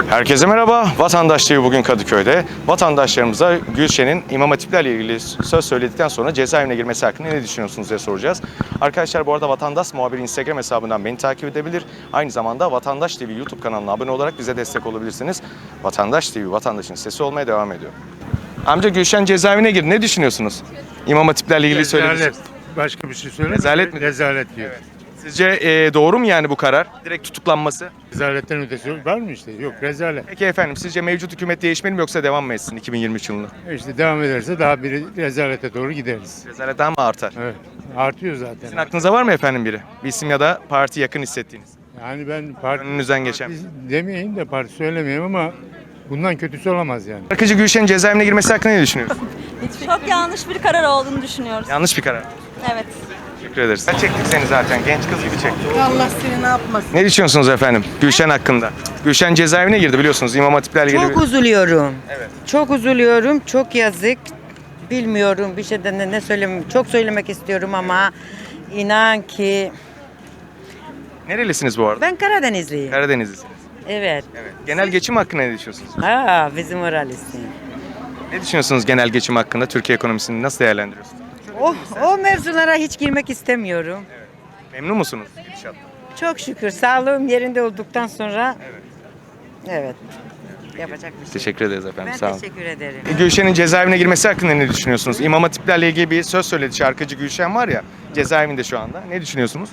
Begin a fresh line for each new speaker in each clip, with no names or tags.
Herkese merhaba. Vatandaş TV bugün Kadıköy'de. Vatandaşlarımıza Gülşen'in İmam Hatiplerle ilgili söz söyledikten sonra cezaevine girmesi hakkında ne düşünüyorsunuz diye soracağız. Arkadaşlar bu arada Vatandaş Muhabiri Instagram hesabından beni takip edebilir. Aynı zamanda Vatandaş TV YouTube kanalına abone olarak bize destek olabilirsiniz. Vatandaş TV, vatandaşın sesi olmaya devam ediyor. Amca Gülşen cezaevine girdi. Ne düşünüyorsunuz? İmam Hatiplerle ilgili söylediğiniz.
Başka bir şey söyle.
Rezalet mi?
Rezalet diyor.
Evet. Sizce doğru mu yani bu karar? Direkt tutuklanması?
Rezaletten ötesi var mı işte? Yok, rezalet.
Peki efendim sizce mevcut hükümet değişmeli mi yoksa devam mı etsin 2023 yılında?
İşte devam ederse daha bir rezalete doğru gideriz.
Rezalet daha mı artar?
Evet. Artıyor zaten.
Sizin aklınıza var mı efendim biri? Bir isim ya da parti yakın hissettiğiniz.
Yani ben parti
Önünüzden geçen.
demeyeyim de parti söylemeyeyim ama bundan kötüsü olamaz yani.
Şarkıcı Gülşen'in cezaevine girmesi hakkında ne düşünüyorsun?
Çok yanlış bir karar olduğunu düşünüyoruz.
Yanlış bir karar.
Evet.
Teşekkür ederiz. Ben çektik seni zaten. Genç kız gibi çektik.
Allah seni ne yapmasın.
Ne düşünüyorsunuz efendim Gülşen hakkında? Gülşen cezaevine girdi biliyorsunuz. İmam Hatiplerle ilgili
Çok üzülüyorum.
Evet.
Çok üzülüyorum. Çok yazık. Bilmiyorum bir şeyden ne söyleyeyim. Çok söylemek istiyorum ama inan ki
Nerelisiniz bu arada?
ben Karadenizliyim.
Karadenizlisiniz.
Evet.
Evet. Genel geçim hakkında ne düşünüyorsunuz?
Ha bizim oralısın.
Ne düşünüyorsunuz genel geçim hakkında? Türkiye ekonomisini nasıl değerlendiriyorsunuz?
O mevzulara hiç girmek istemiyorum.
Memnun musunuz gidişattan?
Çok şükür sağlığım yerinde olduktan sonra evet. Yapacak bir şey.
Teşekkür ederiz efendim.
Ben
Sağ olun.
teşekkür ederim.
Gülşen'in cezaevine girmesi hakkında ne düşünüyorsunuz? İmam Hatiplerle ilgili bir söz söyledi şarkıcı Gülşen var ya cezaevinde şu anda. Ne düşünüyorsunuz?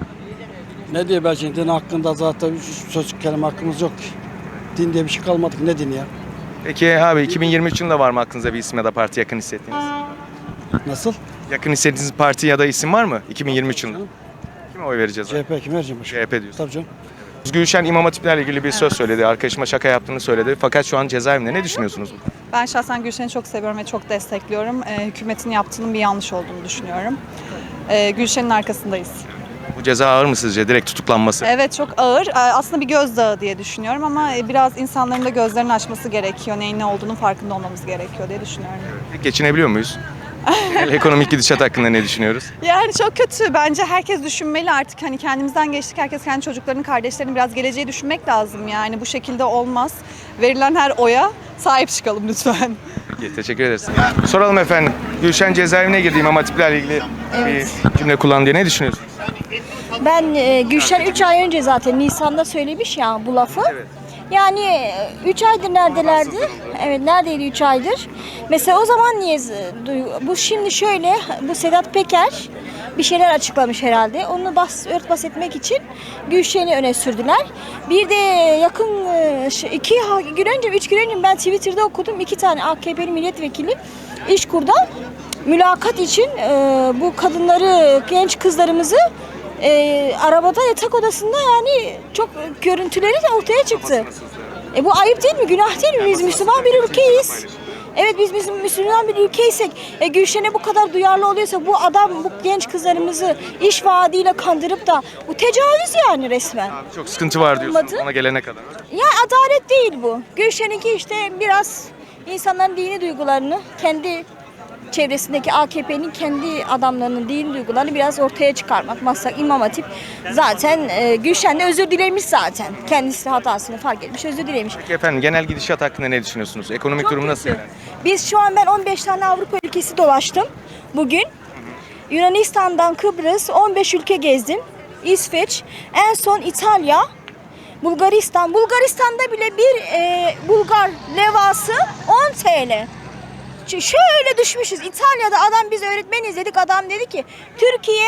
Ne diye ben şimdi din hakkında zaten söz kelime hakkımız yok ki. Din diye bir şey kalmadı ki, ne din ya?
Peki abi 2023 yılında var mı aklınıza bir isim ya da parti yakın hissettiğiniz?
Nasıl?
Yakın hissettiğiniz parti ya da isim var mı 2023 yılında? Kime oy vereceğiz? abi?
CHP kim vereceğim başka?
CHP diyorsun.
Tabii canım.
Gülşen İmam Hatiplerle ilgili bir söz söyledi. Arkadaşıma şaka yaptığını söyledi. Fakat şu an cezaevinde. Ne düşünüyorsunuz?
Ben şahsen Gülşen'i çok seviyorum ve çok destekliyorum. Hükümetin yaptığının bir yanlış olduğunu düşünüyorum. Gülşen'in arkasındayız.
Bu ceza ağır mı sizce? Direkt tutuklanması.
Evet çok ağır. Aslında bir gözdağı diye düşünüyorum ama biraz insanların da gözlerini açması gerekiyor. Neyin ne olduğunun farkında olmamız gerekiyor diye düşünüyorum.
Peki geçinebiliyor muyuz? Genel ekonomik gidişat hakkında ne düşünüyoruz?
Yani çok kötü. Bence herkes düşünmeli artık. Hani kendimizden geçtik. Herkes kendi çocuklarını, kardeşlerini biraz geleceği düşünmek lazım. Yani bu şekilde olmaz. Verilen her oya sahip çıkalım lütfen.
Peki, teşekkür ederiz. Soralım efendim. Gülşen cezaevine girdi İmam Hatiplerle ilgili bir cümle kullandı diye. Ne düşünüyorsunuz?
Ben Gülşen 3 ay önce zaten Nisan'da söylemiş ya bu lafı.
Evet.
Yani 3 aydır neredelerdi? Evet neredeydi 3 aydır? Mesela o zaman niye bu şimdi şöyle bu Sedat Peker bir şeyler açıklamış herhalde. Onu örtbas etmek için Gülşen'i öne sürdüler. Bir de yakın 2 gün önce 3 gün önce ben Twitter'da okudum. 2 tane AKP'li milletvekili İşkur'da mülakat için bu kadınları, genç kızlarımızı arabada yatak odasında yani çok görüntüleri de ortaya çıktı. Bu ayıp değil mi? Günah değil mi? Biz Müslüman bir ülkeyiz. Evet biz Müslüman bir ülkeysek Gülşen'e bu kadar duyarlı oluyorsa bu adam bu genç kızlarımızı iş vaadiyle kandırıp da bu tecavüz yani resmen.
Çok sıkıntı var diyorsunuz
Olmadı.
ona gelene kadar.
Ya adalet değil bu. Gülşen'inki işte biraz insanların dini duygularını kendi çevresindeki AKP'nin kendi adamlarının dini duygularını biraz ortaya çıkarmak. Maslak İmam Hatip zaten Gülşen de özür dilemiş zaten. Kendisi hatasını fark etmiş, özür dilemiş.
Peki efendim genel gidişat hakkında ne düşünüyorsunuz? Ekonomik
Çok
durum nasıl
kötü.
yani?
Biz şu an ben 15 tane Avrupa ülkesi dolaştım bugün. Yunanistan'dan Kıbrıs 15 ülke gezdim. İsveç, en son İtalya, Bulgaristan. Bulgaristan'da bile bir Bulgar levası 10 TL. Şöyle düşmüşüz. İtalya'da adam biz öğretmeniz dedik. Adam dedi ki Türkiye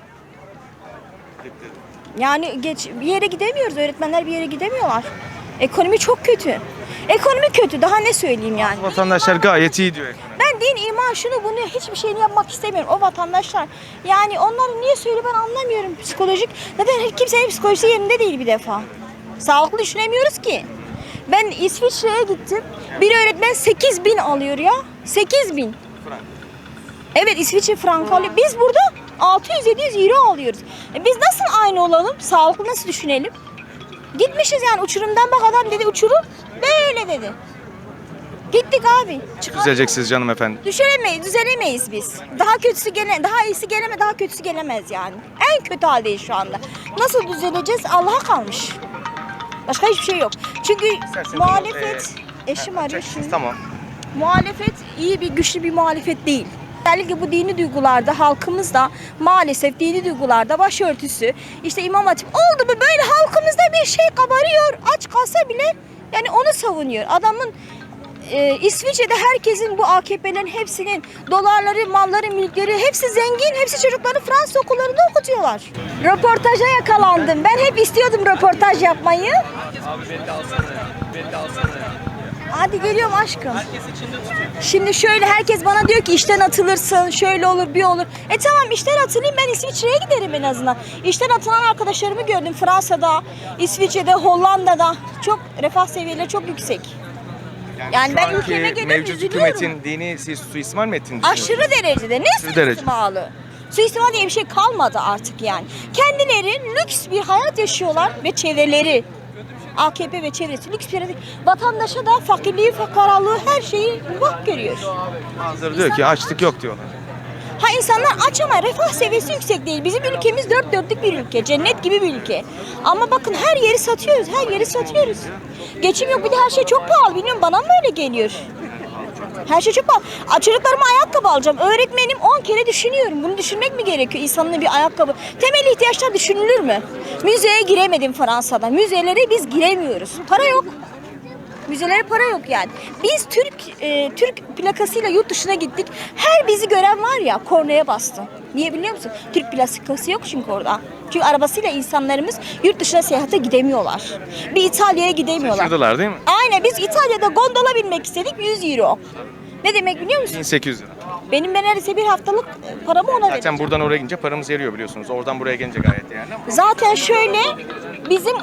yani bir yere gidemiyoruz. Öğretmenler bir yere gidemiyorlar. Ekonomi çok kötü. Ekonomi kötü. Daha ne söyleyeyim yani.
Vatandaşlar gayet iyi diyor ekonomi.
Ben din, iman, şunu bunu hiçbir şeyini yapmak istemiyorum. O vatandaşlar. Yani onları niye söylüyor ben anlamıyorum. Psikolojik. Zaten kimsenin psikolojisi yerinde değil bir defa. Sağlıklı düşünemiyoruz ki. Ben İsviçre'ye gittim. Bir öğretmen 8.000 alıyor ya. 8.000. Evet İsviçre frankı alıyor. Biz burada 600-700 euro alıyoruz. Biz nasıl aynı olalım? Sağlıklı nasıl düşünelim? Gitmişiz yani uçurumdan bak adam dedi uçurum böyle dedi. Gittik abi.
Düzeleceksiniz canım efendim.
Düzelemeyiz biz. Daha iyisi geleme, daha kötüsü gelemez yani. En kötü haldeyiz şu anda. Nasıl düzeleceğiz? Allah'a kalmış. Başka hiçbir şey yok. Çünkü
İsterseniz
muhalefet, eşim arıyor
Açacaksınız,
şimdi.
tamam.
Muhalefet iyi bir güçlü bir muhalefet değil. Özellikle bu dini duygularda halkımızda maalesef dini duygularda başörtüsü, işte İmam Hatip oldu mu böyle halkımızda bir şey kabarıyor. Aç kalsa bile yani onu savunuyor. Adamın İsviçre'de herkesin bu AKP'lerin hepsinin dolarları, malları, mülkleri hepsi zengin. Hepsi çocuklarını Fransız okullarında okutuyorlar. Röportaja yakalandım. Ben hep istiyordum röportaj yapmayı. Hadi geliyorum aşkım. Şimdi şöyle herkes bana diyor ki işten atılırsın, şöyle olur, bir olur. Tamam işten atılayım, ben İsviçre'ye giderim en azından. İşten atılan arkadaşlarımı gördüm Fransa'da, İsviçre'de, Hollanda'da. Çok refah seviyeleri çok yüksek. Yani
şu
ben
anki
ülkeme geliyorum,
mevcut
üzülüyorum.
hükümetin dini suistimal mi ettiğini düşünüyorsunuz?
Aşırı derecede. Ne suistimalı? Suistimal diye bir şey kalmadı artık yani. Kendileri lüks bir hayat yaşıyorlar ve çevreleri. AKP ve çevresi lüks bir hayat. Vatandaşa da fakirliği, fakaralığı her şeyi bak görüyor.
Bazıları diyor ki açlık yok diyorlar.
Ha insanlar aç ama refah seviyesi yüksek değil. Bizim ülkemiz dört dörtlük bir ülke. Cennet gibi bir ülke. Ama bakın her yeri satıyoruz. Her yeri satıyoruz. Geçim yok bir de her şey çok pahalı. Bilmiyorum bana mı öyle geliyor? Her şey çok pahalı. Çocuklarıma ayakkabı alacağım. Öğretmenim 10 kere düşünüyorum. Bunu düşünmek mi gerekiyor? İnsanın bir ayakkabı. Temel ihtiyaçlar düşünülür mü? Müzeye giremedim Fransa'da. Müzelere biz giremiyoruz. Para yok. Müzelere para yok yani. Biz Türk plakasıyla yurt dışına gittik. Her bizi gören var ya kornaya bastı. Niye biliyor musun? Türk plakası yok çünkü orada. Çünkü arabasıyla insanlarımız yurt dışına seyahate gidemiyorlar. Bir İtalya'ya gidemiyorlar.
Şaşırdılar değil mi?
Aynen biz İtalya'da gondola binmek istedik 100 euro. Ne demek biliyor musun?
1800 lira.
Ben neredeyse bir haftalık paramı ona vereceğim.
Zaten buradan oraya gidince paramız eriyor biliyorsunuz. Oradan buraya gelince gayet yani.
Zaten şöyle bizim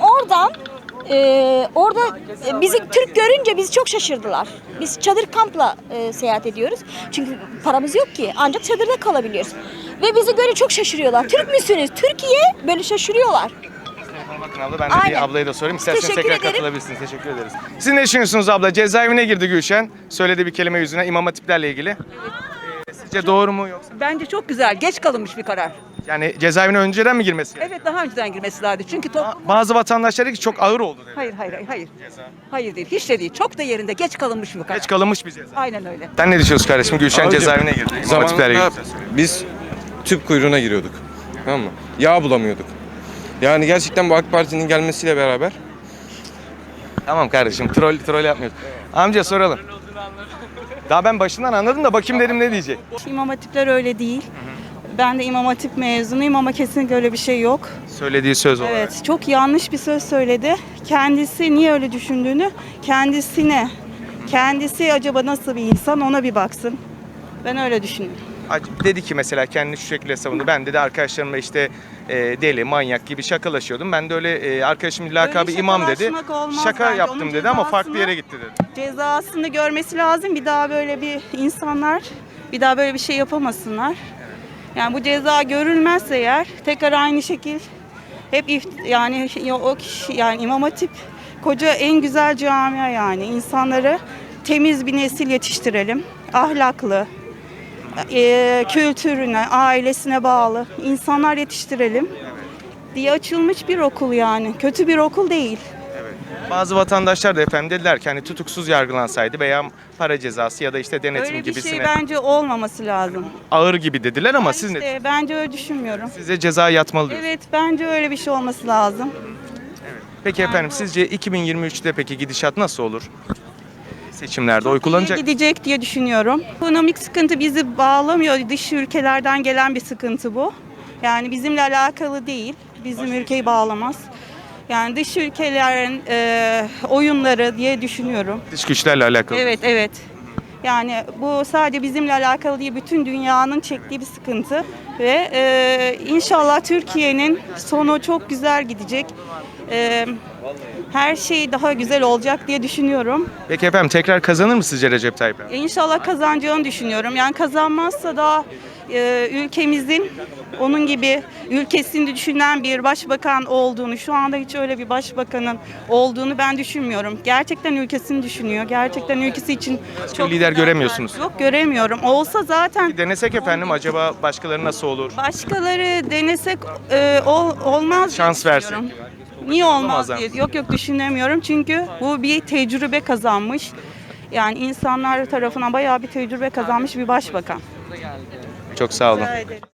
orada bizi Türk görünce bizi çok şaşırdılar. Biz çadır kampla seyahat ediyoruz. Çünkü paramız yok ki. Ancak çadırda kalabiliyoruz. Ve bizi görünce çok şaşırıyorlar. Türk müsünüz? Türkiye böyle şaşırıyorlar.
Bakın abla ben de
Aynen.
bir ablaya da sorayım. İsterseniz
Teşekkür
tekrar
ederim.
katılabilirsiniz. Teşekkür ederiz. Siz ne düşünüyorsunuz abla? Cezaevine girdi Gülşen. Söylediği bir kelime yüzüne İmam Hatiplerle ilgili. Sizce doğru mu yoksa?
Bence çok güzel. Geç kalınmış bir karar.
Yani cezaevine önceden mi girmesi gerekiyor?
Evet daha önceden girmesi lazım. Çünkü toplum...
Bazı vatandaşlar dedi ki çok ağır oldu dedi.
Hayır. Hayır değil. Hiç de değil. Çok da yerinde. Geç kalınmış bir karar.
Geç kalınmış bir ceza.
Aynen öyle.
Sen ne düşünüyorsun kardeşim? Gülşen
Abicim,
cezaevine girdi. İmam Hatiplerle
Zamanında
ilgili.
biz tüp kuyruğuna giriyorduk. Tamam mı? Yağ bulamıyorduk. Yani gerçekten bu AK Parti'nin gelmesiyle beraber
Tamam kardeşim troll yapmıyoruz. Amca soralım. Daha ben başından anladım da bakayım dedim ne diyecek.
İmam Hatipler öyle değil. Ben de İmam Hatip mezunuyum ama kesinlikle öyle bir şey yok.
Söylediği söz olarak.
Evet, çok yanlış bir söz söyledi. Kendisi niye öyle düşündüğünü, kendisi acaba nasıl bir insan ona bir baksın. Ben öyle düşünüyorum.
Dedi ki mesela kendini şu şekilde savundu. Ben dedi arkadaşlarımla işte deli, manyak gibi şakalaşıyordum. Ben de öyle arkadaşımın lakabı
Öyle
imam dedi.
şakalaşmak olmaz
Şaka
bence.
yaptım
Onun
dedi ama farklı
cezasını-
yere gitti dedi.
Cezasını görmesi lazım. Bir daha böyle bir insanlar bir daha böyle bir şey yapamasınlar. Yani bu ceza görülmezse eğer tekrar aynı şekil hep o kişi yani İmam Hatip koca en güzel camia yani insanları temiz bir nesil yetiştirelim. Ahlaklı, kültürüne, ailesine bağlı insanlar yetiştirelim diye açılmış bir okul yani. Kötü bir okul değil.
Bazı vatandaşlar da efendim dediler ki hani tutuksuz yargılansaydı veya para cezası ya da işte denetim
Öyle bir
gibisine
şey bence olmaması lazım.
ağır gibi dediler ama siz ne?
İşte bence öyle düşünmüyorum.
Size ceza yatmalı diyorsunuz.
Evet bence öyle bir şey olması lazım.
Peki efendim sizce 2023'te peki gidişat nasıl olur? Seçimlerde oy kullanacak.
Gidecek diye düşünüyorum. Ekonomik sıkıntı bizi bağlamıyor. Dış ülkelerden gelen bir sıkıntı bu. Yani bizimle alakalı değil. Bizim ülkeyi bağlamaz. Yani dış ülkelerin oyunları diye düşünüyorum.
Dış güçlerle alakalı.
Evet. Yani bu sadece bizimle alakalı değil, bütün dünyanın çektiği bir sıkıntı ve inşallah Türkiye'nin sonu çok güzel gidecek. Her şey daha güzel olacak diye düşünüyorum.
Peki efendim tekrar kazanır mı sizce Recep Tayyip Erdoğan?
İnşallah kazanacağını düşünüyorum. Yani kazanmazsa da ülkemizin onun gibi ülkesini düşünen bir başbakan olduğunu, şu anda hiç öyle bir başbakanın olduğunu ben düşünmüyorum. Gerçekten ülkesini düşünüyor. Gerçekten ülkesi için çok
lider
güzel
göremiyorsunuz.
Yok göremiyorum. Olsa zaten
Denesek efendim acaba başkaları nasıl olur?
başkaları denesek olmaz diye
Şans versek.
düşünüyorum. Niye olmaz
Olamazlar
diye.
mı?
Yok düşünemiyorum. Çünkü bu bir tecrübe kazanmış. Yani insanlar tarafından bayağı bir tecrübe kazanmış bir başbakan.
Çok sağ olun.
Rica ederim.